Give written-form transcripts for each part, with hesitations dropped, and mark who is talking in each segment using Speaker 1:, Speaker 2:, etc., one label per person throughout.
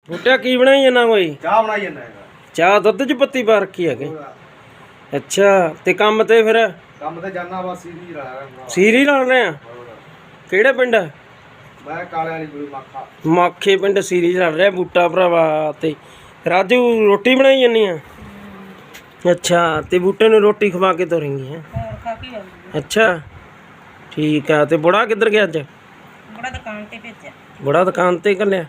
Speaker 1: ਬੂਟਾ ਕੀ ਬਣਾਈ ਜਾਂਦਾ ਕੋਈ?
Speaker 2: ਚਾਹ ਬਣਾਈ ਜਾਂਦਾ ਹੈਗਾ।
Speaker 1: ਚਾਹ ਦੁੱਧ ਚ ਪੱਤੀ ਪਾ ਰੱਖੀ ਹੈਗੇ। ਅੱਛਾ ਤੇ ਕੰਮ ਤੇ ਫਿਰ
Speaker 2: ਕੰਮ ਤੇ ਜਾਣਾ ਵਾ ਸੀਰੀ ਰਹਾ
Speaker 1: ਸੀਰੀ ਲਾ ਰਹੇ ਆ। ਕਿਹੜੇ ਪਿੰਡ?
Speaker 2: ਮੈਂ ਕਾਲੇ ਵਾਲੀ ਗੁਰੂ ਮਾਖਾ
Speaker 1: ਮਾਖੇ ਪਿੰਡ ਸੀਰੀ ਲੜ ਰਿਹਾ ਬੂਟਾ ਭਰਾਵਾ। ਤੇ ਰਾਜੂ ਰੋਟੀ ਬਣਾਈ ਜਾਂਦੀ ਆ। ਅੱਛਾ ਤੇ ਬੂਟੇ ਨੂੰ ਰੋਟੀ ਖਵਾ ਕੇ ਤੋਰੇਂਗੀ ਹੈ? ਅੱਛਾ ਠੀਕ ਆ। ਤੇ ਬੁੜਾ ਕਿੱਧਰ ਗਿਆ ਅੱਜ?
Speaker 3: ਬੁੜਾ ਦੁਕਾਨ ਤੇ ਭੇਜਿਆ।
Speaker 1: ਬੁੜਾ ਦੁਕਾਨ ਤੇ ਘੱਲਿਆ।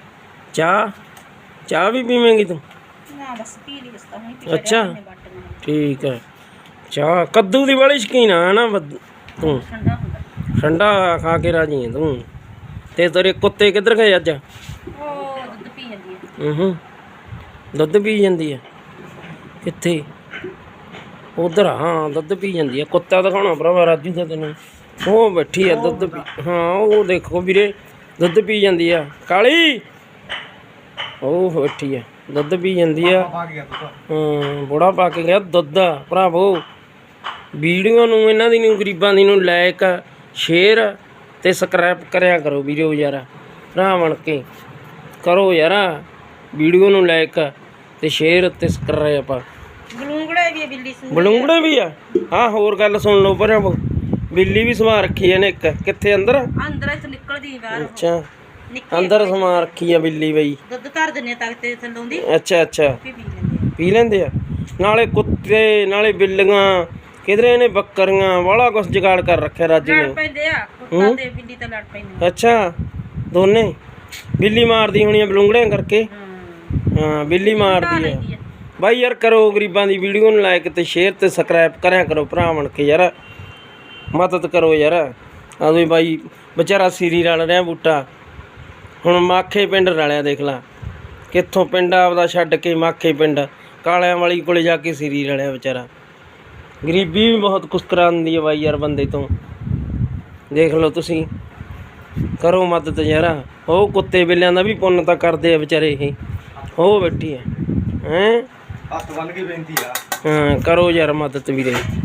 Speaker 1: ਚਾਹ ਵੀ ਪੀਵੇਂਗੀ ਤੂੰ?
Speaker 3: ਨਾ ਬਸ ਪੀ ਲਈ ਉਸਤਾ ਹੁਣ।
Speaker 1: ਅੱਛਾ ਠੀਕ ਹੈ। ਚਾਹ ਕੱਦੂ ਦੀ ਬੜੀ ਸ਼ੌਕੀਨ ਆ ਨਾ ਤੂੰ?
Speaker 3: ਠੰਡਾ ਹੁੰਦਾ।
Speaker 1: ਠੰਡਾ ਖਾ ਕੇ ਰਾਜੀ ਹੈ ਤੂੰ। ਤੇ ਤੇਰੇ ਕੁੱਤੇ ਕਿੱਧਰ ਗਏ ਅੱਜ?
Speaker 3: ਉਹ ਦੁੱਧ ਪੀ ਜਾਂਦੀ ਹੈ।
Speaker 1: ਦੁੱਧ ਪੀ ਜਾਂਦੀ ਹੈ? ਕਿੱਥੇ? ਉਧਰ ਹਾਂ ਦੁੱਧ ਪੀ ਜਾਂਦੀ ਹੈ। ਕੁੱਤਾ ਦਿਖਾਉਣਾ ਭਰਾਵਾ ਰਾਜੂ ਦਾ ਤੈਨੂੰ। ਉਹ ਬੈਠੀ ਆ ਦੁੱਧ ਪੀ। ਹਾਂ ਉਹ ਦੇਖੋ ਵੀਰੇ ਦੁੱਧ ਪੀ ਜਾਂਦੀ ਆ। ਕਾਲੀ ਉਹ ਬੈਠੀ ਆ ਦੁੱਧ ਪੀ ਜਾਂਦੀ ਆ। ਬੁੜਾ ਪਾ ਕੇ ਗਿਆ ਦੁੱਧ ਭਰਾਵੋ। ਵੀਡੀਓ ਨੂੰ ਇਹਨਾਂ ਦੀ ਨੂੰ ਗਰੀਬਾਂ ਦੀ ਨੂੰ ਲਾਇਕ ਸ਼ੇਅਰ ਤੇ ਸਬਸਕ੍ਰਾਈਬ ਕਰਿਆ ਕਰੋ ਵੀਡੀਓ ਯਾਰ। ਭਰਾ ਬਣ ਕੇ ਕਰੋ ਯਾਰ ਵੀਡੀਓ ਨੂੰ ਲਾਇਕ ਤੇ ਸ਼ੇਅਰ ਤੇ ਸਬਸਕ੍ਰਾਈਬ।
Speaker 3: ਬਲੂੰਗੜੇ ਵੀ ਬਿੱਲੀ ਸੂ।
Speaker 1: ਬਲੂੰਗੜੇ ਵੀ ਆ? ਹਾਂ ਹੋਰ ਗੱਲ ਸੁਣ ਲਓ ਭਰਾਵੋ। ਬਿੱਲੀ ਵੀ ਸਮਾ ਰੱਖੀ ਇਹਨੇ ਇੱਕ। ਕਿੱਥੇ? ਅੰਦਰ?
Speaker 3: ਅੰਦਰ ਇੱਥੋਂ ਨਿਕਲਦੀ ਬਾਹਰ।
Speaker 1: ਅੱਛਾ ਅੰਦਰ ਸਮਾ ਰੱਖੀ ਆ ਬਿੱਲੀ ਬਈ।
Speaker 3: ਦੁੱਧ ਧਰ ਦਿੰਨੇ ਤੱਕ ਤੇ ਥੱਲੋਂ ਦੀ।
Speaker 1: ਅੱਛਾ ਪੀ ਲੈਂਦੇ ਆ। ਨਾਲੇ ਕੁੱਤੇ ਨਾਲੇ ਬਿੱਲੀਆਂ ਕਿਧਰੇ ਇਹਨੇ ਬੱਕਰੀਆਂ ਵਾਲਾ ਕੁਛ ਜੁਗਾੜ ਕਰ ਰੱਖਿਆ ਰਾਜੂ
Speaker 3: ਲੜ
Speaker 1: ਨੇ।
Speaker 3: ਪੈਂਦੇ ਆ ਕੁੱਤਾ ਤੇ ਬਿੱਲੀ ਤਾਂ ਲੜ ਪੈਂਦੇ।
Speaker 1: ਅੱਛਾ ਦੋਨੇ? ਬਿੱਲੀ ਮਾਰਦੀ ਹੋਣੀ ਆ ਬਲੂੰਗੜਿਆਂ ਕਰਕੇ। ਹਾਂ ਬਿੱਲੀ ਮਾਰਦੀ ਆ ਬਾਈ ਯਾਰ। ਕਰੋ ਗਰੀਬਾਂ ਦੀ ਵੀਡੀਓ ਨੂੰ ਲਾਇਕ ਤੇ ਸ਼ੇਅਰ ਤੇ ਸਬਸਕ੍ਰਾਈਬ ਕਰਿਆ ਕਰੋ ਭਰਾ ਬਣ ਕੇ ਯਾਰ। ਮਦਦ ਕਰੋ ਯਾਰ। ਆਦੋਂ ਬਾਈ ਵਿਚਾਰਾ ਸੀਰੀ ਰਲ ਰਿਹਾ ਬੂਟਾ। ਹੁਣ ਮਾਖੇ ਪਿੰਡ ਰਲਿਆ ਦੇਖ ਲਾ। ਕਿੱਥੋਂ ਪਿੰਡ ਆਪਦਾ ਛੱਡ ਕੇ ਮਾਖੇ ਪਿੰਡ ਕਾਲਿਆਂ ਵਾਲੀ ਕੋਲੇ ਜਾ ਕੇ ਸੀਰੀ ਰਲਿਆ ਵਿਚਾਰਾ। ਗਰੀਬੀ ਵੀ ਬਹੁਤ ਕੁਛ ਕਰਾਉਂਦੀ ਹੈ ਬਾਈ ਯਾਰ ਬੰਦੇ ਤੋਂ। ਦੇਖ ਲਓ ਤੁਸੀਂ ਕਰੋ ਮਦਦ ਯਾਰ। ਉਹ ਕੁੱਤੇ ਬਿੱਲਿਆਂ ਦਾ ਵੀ ਪੁੰਨ ਤਾਂ ਕਰਦੇ ਆ ਵਿਚਾਰੇ ਇਹ। ਉਹ ਬੈਠੀ ਹੈ
Speaker 2: ਹੱਥ ਬੰਨ ਕੇ ਬੇਨਤੀ ਆ।
Speaker 1: ਹਾਂ ਕਰੋ ਯਾਰ ਮਦਦ ਵੀਰੇ।